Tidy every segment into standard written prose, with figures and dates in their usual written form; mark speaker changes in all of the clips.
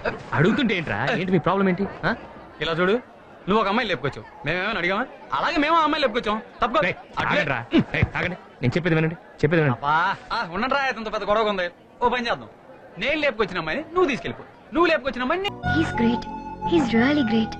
Speaker 1: అడుగుతుంటే ఏంట్రా? ఏంటి మీ ప్రాబ్లం ఏంటి?
Speaker 2: ఇలా చూడు, నువ్వు ఒక అమ్మాయి లేపుకొచ్చావు, మేమేమైనా అడిగామా? అలాగే మేము అమ్మాయి లేపుకొచ్చాం, తప్ప
Speaker 1: ఆగండి, నేను చెప్పేది వినండి.
Speaker 2: ఉండండి రా, ఎంత పెద్ద గొడవ ఉంది. ఓ పని చేద్దాం, నేను లేపుకొచ్చిన అమ్మాయిని నువ్వు తీసుకెళ్ళిపో, నువ్వు లేపుకొచ్చిన అమ్మాయిని
Speaker 3: he's great, he's really great.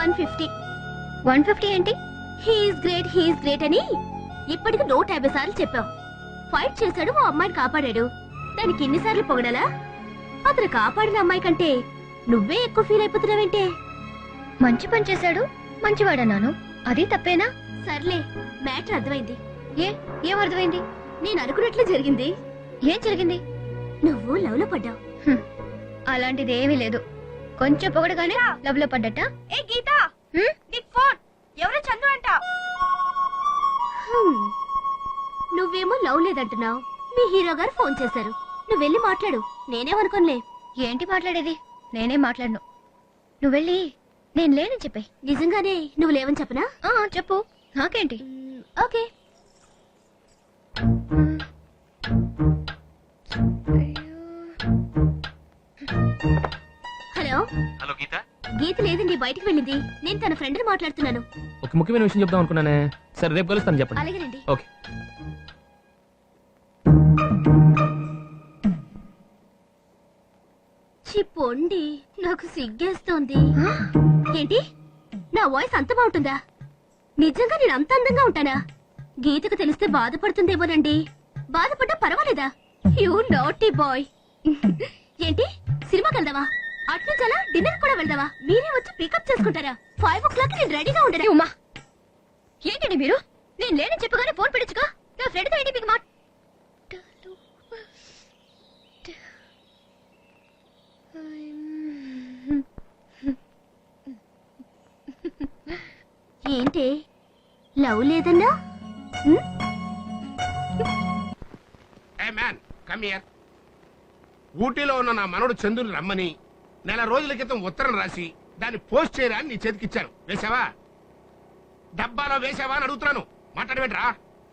Speaker 3: 150 ఏంటి?
Speaker 4: హీస్ గ్రేట్ అని ఇప్పటికి 150 సార్లు చెప్పావు. ఫైట్ చేశాడు, ఓ అమ్మాయిని కాపాడాడు, దానికి ఎన్నిసార్లు పొగడాలా? అతను కాపాడిన అమ్మాయి కంటే నువ్వే ఎక్కువ ఫీల్ అయిపోతున్నావేంటే?
Speaker 3: మంచి పని చేశాడు, మంచివాడన్నాను, అది తప్పేనా?
Speaker 4: సర్లే, మ్యాటర్ అర్థమైంది.
Speaker 3: ఏం అర్థమైంది?
Speaker 4: నేను అనుకున్నట్లు జరిగింది.
Speaker 3: ఏం జరిగింది?
Speaker 4: నువ్వు లవ్ లో పడ్డావు.
Speaker 3: అలాంటిది ఏమీ లేదు, కొంచెం పొగడగానే లవ్ లో పడ్డట.
Speaker 4: ఏ గీత, నీకు ఫోన్ ఎవరో చందు అంట. నువ్వేమో లవ్ లేదంటున్నావు, మీ హీరో గారు ఫోన్ చేశారు, నువ్వు వెళ్ళి మాట్లాడు. నేనేమనుకోనులే.
Speaker 3: ఏంటి మాట్లాడేది? నేనేం మాట్లాడను, నువ్వు వెళ్ళి నేను లేనని చెప్పే.
Speaker 4: నిజంగానే నువ్వు లేవని చెప్పనా?
Speaker 3: చెప్పు, నాకేంటి.
Speaker 4: Okay. Hello
Speaker 1: hello Geeta.
Speaker 4: Geeta లేదండి, బయటికి వెళ్ళింది. నేను తన ఫ్రెండ్ మాట్లాడుతున్నాను.
Speaker 1: ఒక ముఖ్యమైన విషయం చెప్దాం అనుకున్నానే. సరే, రేపు కలుస్తాను, చెప్పండి.
Speaker 4: అలాగేనండి.
Speaker 1: ఓకే.
Speaker 4: చిప్పొండి, నాకు సిగ్గేస్తోంది. ఏంటి, నా వాయిస్ అంత బాగుంటుందా? నిజంగా నేను అంత అందంగా ఉంటానా? గీతకు తెలిస్తే బాధపడుతుందేమోనండి. బాధపడ్డా పర్వాలేదా? You naughty boy. ఏంటి, సినిమాకి వెళ్దావా? అట్నుంచి అలా డిన్నర్ కూడా వెళ్దావా? మీరే వచ్చి పికప్ చేసుకుంటారా? 5 o'clock నేను రెడీగా ఉండను.
Speaker 3: ఉమా, ఏంటండి మీరు? నేను లేనని చెప్పగానే ఫోన్ పెట్టించుగా. నా ఫ్రెండ్తో ఏంటి మీకు మాట?
Speaker 4: ఏంటి, లవ్ లేదన్నా?
Speaker 5: ఊటీలో ఉన్న నా మనోడు చందుని రమ్మని నెల రోజుల క్రితం ఉత్తరం రాసి దాన్ని పోస్ట్ చేయరా అని నీ చేతికిచ్చాను. వేసావా? డబ్బాలో వేసావా అని అడుగుతున్నాను. మాట్లాడబెట్రా.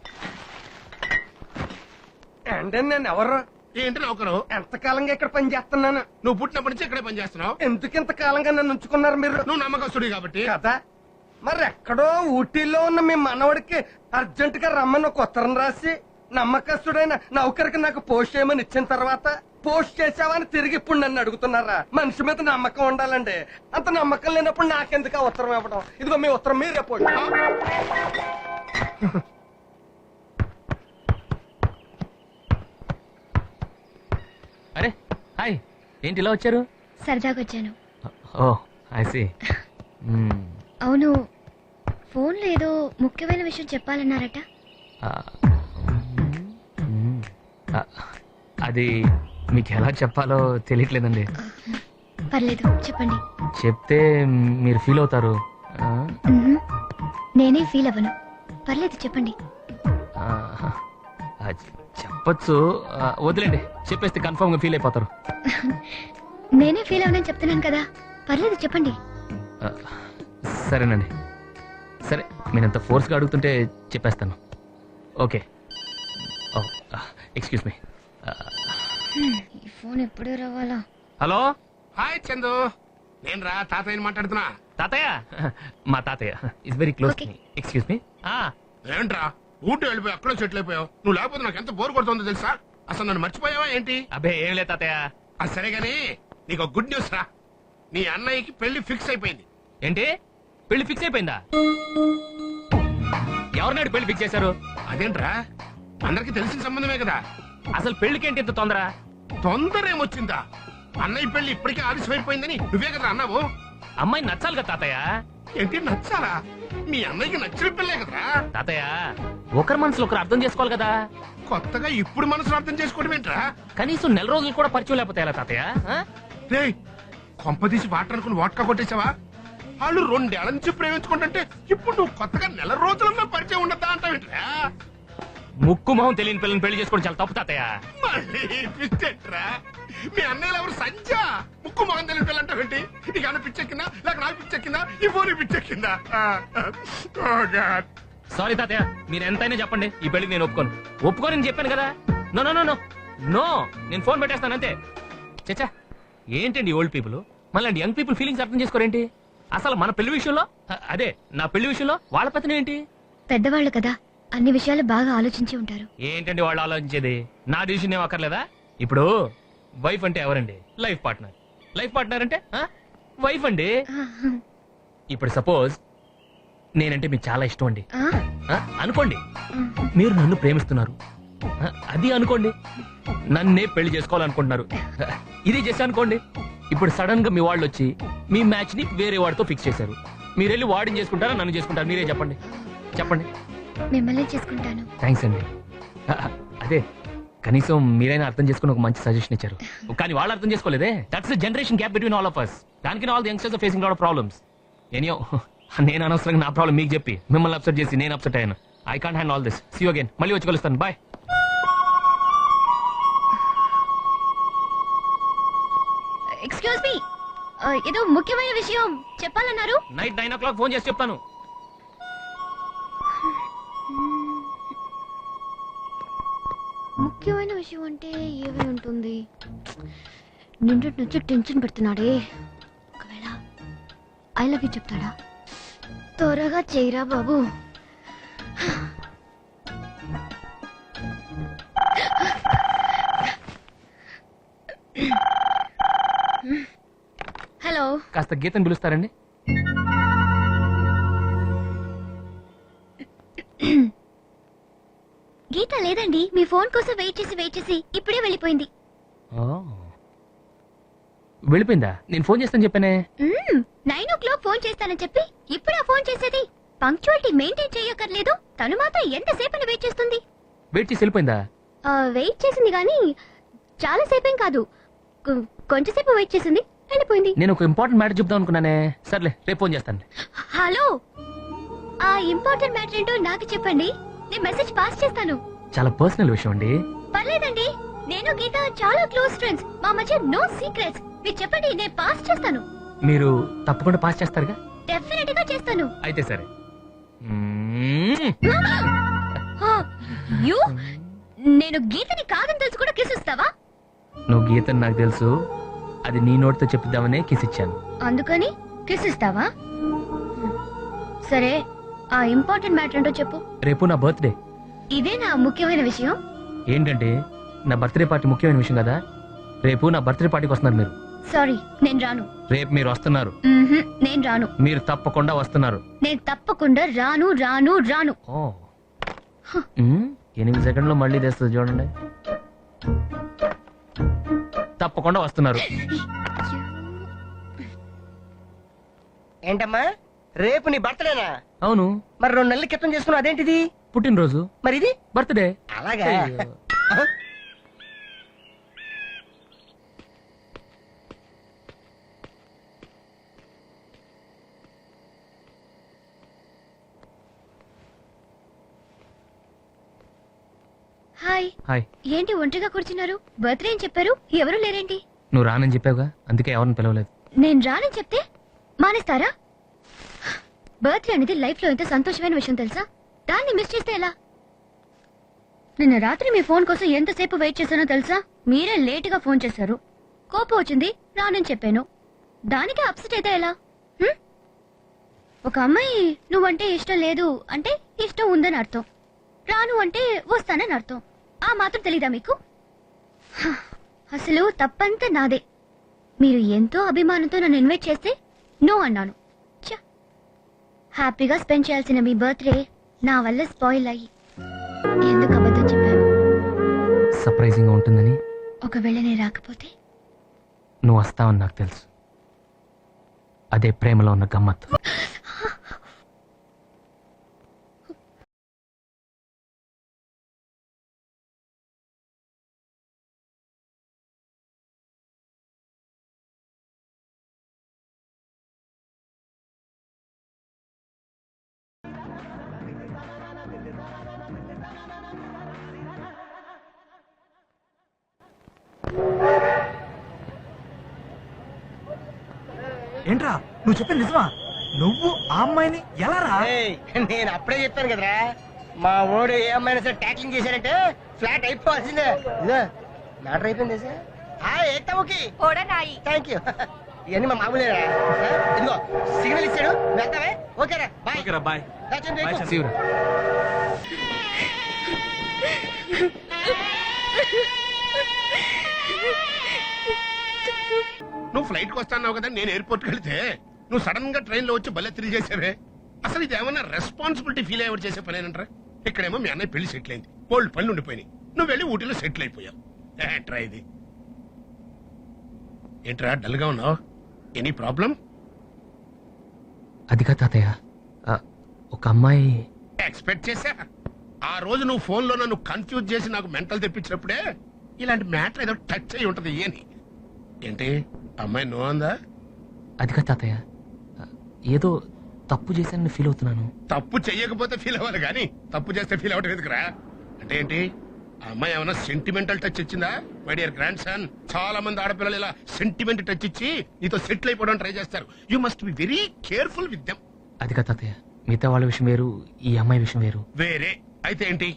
Speaker 6: అంటే నేను ఎవరు?
Speaker 5: ఏంటి నౌకరు?
Speaker 6: ఎంతకాలంగా ఇక్కడ పని చేస్తున్నాను.
Speaker 5: నువ్వు పుట్టినప్పటి నుంచి ఇక్కడే పని చేస్తున్నావు.
Speaker 6: ఎందుకు ఇంతకాలంగా నన్ను ఉంచుకున్నారు మీరు?
Speaker 5: నువ్వు నమ్మకస్తుడి కాబట్టి
Speaker 6: కదా. మరి ఎక్కడో ఊటీలో ఉన్న మీ మనవడికి అర్జెంట్ గా రమ్మని ఒక ఉత్తరం రాసి నమ్మకస్తుడైన నౌకరికి నాకు పోస్ట్ చేయమని ఇచ్చిన తర్వాత పోస్ట్ చేసావని తిరిగి ఇప్పుడు నన్ను అడుగుతున్నారా? మనిషి మీద నమ్మకం ఉండాలండి. అంత నమ్మకం లేనప్పుడు నాకెందుకు ఆ ఉత్తరం ఇవ్వడం? ఇదిగో మీ ఉత్తరం మీరే పోండి.
Speaker 1: అరే హాయ్, ఏంటి ఇలా వచ్చారు?
Speaker 3: సరదాగా వచ్చాను.
Speaker 1: Oh I see.
Speaker 3: అవును, ఫోన్లో ఏదో ముఖ్యమైన విషయం చెప్పాలన్నారట.
Speaker 1: అది మీకు ఎలా చెప్పాలో తెలియట్లేదండి.
Speaker 3: పర్లేదు, చెప్పండి.
Speaker 1: చెప్తే మీరు ఫీల్ అవుతారు.
Speaker 3: నేనే ఫీల్ అవ్వను, పర్లేదు చెప్పండి.
Speaker 1: చెప్పచ్చు, వదిలేండి. చెప్పేస్తే కన్ఫర్మ్ గా ఫీల్ అయిపోతారు.
Speaker 3: నేనే ఫీల్ అవ్వనని చెప్తున్నాను కదా, పర్లేదు చెప్పండి.
Speaker 1: సరేనండి, సరే, నేను ఎంత ఫోర్స్గా అడుగుతుంటే చెప్పేస్తాను. ఓకే. Excuse me.
Speaker 3: ఈ ఫోన్ ఎప్పుడు రావాలా?
Speaker 1: హలో.
Speaker 5: హాయ్ చందు, నేను రా తాతయ్యని మాట్లాడుతున్నా.
Speaker 1: తాతయ్య, మా తాతయ్య is very close. Excuse me.
Speaker 5: ఏంట్రా ఊటీ వెళ్ళిపోయి అక్కడో సెటిల్ అయిపోయావు? నువ్వు లేకపోతే నాకు ఎంత బోర్ కొడుతుందో తెలుసా? అసలు నన్ను మర్చిపోయావా ఏంటి?
Speaker 1: అబ్బే ఏం లేదు తాతయ్య.
Speaker 5: అది సరే గానీ నీకు గుడ్ న్యూస్ రా. నీ అన్నయ్యకి పెళ్లి ఫిక్స్ అయిపోయింది.
Speaker 1: ఏంటి, పెళ్లి ఫిక్స్ అయిపోయిందా? ఎవరినాడు పెళ్లి ఫిక్స్ చేశారు?
Speaker 5: అదేంట్రా, అందరికి తెలిసిన సంబంధమే కదా.
Speaker 1: అసలు పెళ్లికి ఏంటి ఇంత తొందర?
Speaker 5: తొందర ఏమొచ్చిందా? అన్నయ్య పెళ్లి ఇప్పటికే ఆలస్యం అయిపోయిందని నువ్వే కదా అన్నావు.
Speaker 1: అమ్మాయి నచ్చాలి కదా తాతయ్య.
Speaker 5: ఏంటి నచ్చాలా? మీ అన్నయ్యకి నచ్చిన పెళ్ళే కదరా.
Speaker 1: తాతయ్య, ఒకరి మనసులో ఒకరు అర్థం చేసుకోవాలి కదా.
Speaker 5: కొత్తగా ఇప్పుడు మనసులో అర్థం చేసుకోవడం ఏంట్రా?
Speaker 1: కనీసం నెల రోజులు కూడా పరిచయం లేకపోతే ఎలా తాతయ్య?
Speaker 5: రేయ్, కొంపదీసి వాటర్ అనుకుని వాట్కా కొట్టేసావా? వాళ్ళు 2 ఏళ్ల నుంచి ప్రేమించుకుంటుంటే ఇప్పుడు నువ్వు కొత్తగా నెల రోజులలో పరిచయం ఉండద్దా అంటావేంట్రా?
Speaker 1: ముక్కు మొహం తెలియని పిల్లని పెళ్లి చేసుకోవడం చాలా తప్పు తాతయ్య.
Speaker 5: మళ్ళీ పిచ్చెట్రా? మీ అన్నయ్యలు ఎవరు సంజ? ముక్కు మొహం తెలియని పిల్ల అంటావేంటి? నీకు అన్న పిచ్చెక్కిందా, లేక నాకు పిచ్చెక్కిందా, ఈ ఫోన్ పిచ్చెక్కిందా?
Speaker 1: సారీ తాతయ్య, మీరు ఎంతైనా చెప్పండి, ఈ పెళ్లికి నేను ఒప్పుకోని చెప్పాను కదా. No no no no no, నేను ఫోన్ పెట్టేస్తాను అంతే. చచ్చా, ఏంటండి ఓల్డ్ పీపుల్, మళ్ళీ యంగ్ పీపుల్ ఫీలింగ్స్ అర్థం చేసుకోరేంటి? అసలు మన పెళ్లి విషయంలో అదే నా పెళ్లి విషయంలో వాళ్ళ పత్రం ఏంటి?
Speaker 3: పెద్దవాళ్ళు కదా, అన్ని విషయాలు బాగా ఆలోచించి ఉంటారు.
Speaker 1: ఏంటండి వాళ్ళు ఆలోచించేది? నా డిసిషన్ ఏం అక్కర్లేదా? ఇప్పుడు వైఫ్ అంటే ఎవరండి? Life partner. లైఫ్ పార్ట్నర్ అంటే వైఫ్ అండి. ఇప్పుడు సపోజ్ నేనంటే మీకు చాలా ఇష్టం అండి అనుకోండి. మీరు నన్ను ప్రేమిస్తున్నారు అది అనుకోండి. నన్నే పెళ్లి చేసుకోవాలనుకుంటున్నారు ఇది చేసి అనుకోండి. ఇప్పుడు సడన్ గా మీ వాళ్ళు వచ్చి మీ మ్యాచ్ ని వేరే వాడితో ఫిక్స్ చేశారు. మీరు వెళ్ళి వాడిని చేసుకుంటారా నన్ను చేసుకుంటారా? మీరే చెప్పండి చెప్పండి.
Speaker 3: మిమ్మల్ని చేసుకుంటాను.
Speaker 1: థ్యాంక్స్ అండి. అదే కనీసం మీరైనా అర్థం చేసుకుని ఒక మంచి సజెషన్ ఇచ్చారు. కానీ వాళ్ళు అర్థం చేసుకోలేదే. That's the generation gap between all of us. దానికి all the youngsters are facing lot of problems. Anyhow నేను అనవసరంగా నా ప్రాబ్లం మీకు చెప్పి మిమ్మల్ని అప్సెట్ చేసి నేను అప్సెట్ అయ్యాను. I can't handle all this. See you again. మళ్ళీ వచ్చి కలుస్తాను. బాయ్.
Speaker 3: ఎక్స్క్యూజ్ మీ, ఏదో ముఖ్యమైన విషయం చెప్పాలన్నారు.
Speaker 1: నైట్ 9 o'clock ఫోన్ చేసి చెప్తాను.
Speaker 3: ముఖ్యమైన విషయం అంటే ఏమై ఉంటుంది? నిండు నుంచి టెన్షన్ పెడుతున్నాడే. ఒకవేళ ఐ లవ్ యూ చెప్తాడా? త్వరగా చేయరా బాబు. హలో,
Speaker 1: కాస్త గీతను పిలుస్తారండి?
Speaker 3: గీత లేదండి. మీ ఫోన్ కోసం వెయిట్ చేసి ఇప్పుడే వెళ్ళిపోయింది.
Speaker 1: వెళ్ళిపోయిందా? నేను ఫోన్ చేస్తాను చెప్పానే.
Speaker 3: 9 o'clock ఫోన్ చేస్తానని చెప్పి ఇప్పుడా ఫోన్ చేసేది? పంక్చువాలిటీ మెయింటైన్ చేయక్కర్లేదు. తను మాత్రం ఎంతసేపు వెయిట్ చేస్తుంది?
Speaker 1: వెయిట్ చేసి వెళ్ళిపోయిందా?
Speaker 3: వెయిట్ చేసింది కానీ చాలా సేపేం కాదు, కొంచెంసేపు వెయిట్ చేసింది, వెళ్ళిపోయింది.
Speaker 1: నేను ఒక ఇంపార్టెంట్ మ్యాటర్ చెప్దాం అనుకున్నానే. సర్లే రేపు ఫోన్ చేస్తాను.
Speaker 3: హలో, ఆ ఇంపార్టెంట్ మ్యాటర్ ఏంటో నాకు చెప్పండి, నేను మెసేజ్ పాస్ చేస్తాను.
Speaker 1: చాలా పర్సనల్ విషయం అండి.
Speaker 3: పర్లేదండి, నేను గీత చాలా క్లోజ్ ఫ్రెండ్స్, మా మధ్య నో సీక్రెట్స్. మీరు చెప్పండి, నేను పాస్ చేస్తాను.
Speaker 1: మీరు తప్పకుండా పాస్ చేస్తారుగా?
Speaker 3: డెఫినెట్ గా చేస్తాను.
Speaker 1: అయితే సరే.
Speaker 3: యు నేను గీతని కాదని తెలుసు కూడా కిస్ ఇస్తావా?
Speaker 1: నువ్వు గీతని నాకు తెలుసు, అది నీ నోటితో చెప్పిద్దామనే కిస్ ఇచ్చాను.
Speaker 3: అందుకని కిస్ ఇస్తావా? సరే, ఆ ఇంపార్టెంట్ మ్యాటర్ ఏంటో చెప్పు.
Speaker 1: రేపు నా బర్త్డే.
Speaker 3: ఇదే నా ముఖ్యమైన విషయం.
Speaker 1: ఏంటంటే నా బర్త్డే పార్టీ ముఖ్యమైన విషయం కదా. రేపు నా బర్త్డే పార్టీకి వస్తున్నారు మీరు.
Speaker 3: సారీ, నేను రాను.
Speaker 1: రేపు మీరు వస్తున్నారు.
Speaker 3: నేను రాను.
Speaker 1: మీరు తప్పకుండా వస్తున్నారు.
Speaker 3: నేను తప్పకుండా రాను రాను రాను.
Speaker 1: 8 సెకండ్లో మళ్ళీ తెస్తుంది చూడండి. తప్పకుండా వస్తున్నారు.
Speaker 6: ఏంటమ్మా రేపు నీ బర్త్డేనా?
Speaker 1: అవును.
Speaker 6: మరి 2 నెలల క్రితం చేసుకున్నావు, అదేంటిది?
Speaker 1: పుట్టినరోజు.
Speaker 6: మరి ఇది
Speaker 1: బర్త్డే.
Speaker 6: అలాగా?
Speaker 3: హాయ్.
Speaker 1: హాయ్.
Speaker 3: ఏంటి ఒంటరిగా కూర్చున్నారు? బర్త్డే అని చెప్పారు, ఎవరు లేరేంటి?
Speaker 1: నువ్వు రానని చెప్పావుగా, అందుకే ఎవరిని పిలవలేదు.
Speaker 3: నేను రానని చెప్తే మానేస్తారా? బర్త్డే అనేది లైఫ్ లో ఎంత సంతోషమైన విషయం తెలుసా? దాన్ని మిస్ చేస్తే ఎలా? నిన్న రాత్రి మీ ఫోన్ కోసం ఎంతసేపు వెయిట్ చేశానో తెలుసా? మీరే లేట్ గా ఫోన్ చేశారు. కోపం వచ్చింది, రానని చెప్పాను. దానికి అప్సెట్ అయితే ఎలా? ఒక అమ్మాయి నువ్వంటే ఇష్టం లేదు అంటే ఇష్టం ఉందని అర్థం. రాను అంటే వస్తానని అర్థం. ఆ మాత్రం తెలీదా మీకు? అసలు తప్పంతా నాదే. మీరు ఎంతో అభిమానంతో నన్ను ఇన్వైట్ చేస్తే నో అన్నాను. హ్యాపీగా స్పెండ్ చేయాల్సిన మీ బర్త్డే నా వల్ల స్పాయిల్ అయ్యి ఎందుకు అబద్ధం చెప్పాను?
Speaker 1: సర్ప్రైజింగ్ గా ఉంటుందని.
Speaker 3: ఒకవేళ నేను రాకపోతే?
Speaker 1: నువ్వు వస్తావని నాకు తెలుసు. అదే ప్రేమలో ఉన్న గమ్మత్తు.
Speaker 7: ఏంట్రా నువ్వు చెప్పింది నిజమా? నువ్వు ఆ అమ్మాయిని ఎలా రా?
Speaker 6: నేను అప్పుడే చెప్పాను కదరా, మా ఓడు ఏ అమ్మాయినా సరే ట్యాక్లింగ్ చేశారంటే ఫ్లాట్ అయిపోవాల్సిందే. ఇదో మ్యాటర్ అయిపోయింది సార్. Thank you. ఇవన్నీ మా మామూలే ఇదిగో సిగ్నల్ ఇచ్చాడు వెళ్తావే ఓకేరా బాయ్
Speaker 2: ఓకేరా బాయ్
Speaker 1: See you రా.
Speaker 5: నువ్వు ఫ్లైట్ కి వస్తాన్నావు కదా నేను ఎయిర్పోర్ట్ కి వెళ్తే నువ్వు సడన్ గా ట్రైన్ లో వచ్చి భలే తిరిగి చేసావే అసలు ఇది ఏమన్నా రెస్పాన్సిబిలిటీ ఫీల్ అయ్యేవాడు చేసే పనేనంటారా ఇక్కడేమో మీ అన్నయ్య పెళ్లి సెటిల్ అయింది కోల్డ్ పనులు ఉండిపోయినాయి నువ్వు వెళ్ళి ఊటీలో సెటిల్ అయిపోయావు ఏంట్రా ఇది ఏంట్రా డల్ గా ఉన్నావు ఎనీ ప్రాబ్లం
Speaker 1: అదిగా తాతయ్య ఒక అమ్మాయి
Speaker 5: ఎక్స్పెక్ట్ చేశా ఆ రోజు నువ్వు ఫోన్ లో నన్ను కన్ఫ్యూజ్ చేసి నాకు మెంటల్ తెప్పించినప్పుడే ఇలాంటి మ్యాటర్ ఏదో టచ్ అయి ఉంటది అని ఏంటి అమ్మాయి నో అందా
Speaker 1: అదిగా తాతయ్య ఏదో తప్పు చేశానని ఫీల్ అవుతున్నాను.
Speaker 5: తప్పు చెయ్యకపోతే ఫీల్ అవ్వాలి కానీ తప్పు చేస్తే ఫీల్ అవ్వడం ఎందుకురా అంటే ఏంటి ఆ అమ్మాయి ఏమైనా సెంటిమెంటల్ టచ్ ఇచ్చిందా మై డియర్ గ్రాండ్ సన్ చాలా మంది ఆడపిల్లలు ఇలా సెంటిమెంట్ టచ్ ఇచ్చి నీతో సెటిల్ అయిపోవడం ట్రై చేస్తారు you must be very careful with them
Speaker 1: అదిగా తాతయ్య మిగతా వాళ్ళ విషయం వేరు ఈ అమ్మాయి విషయం వేరు
Speaker 5: వేరే అయితే ఏంటి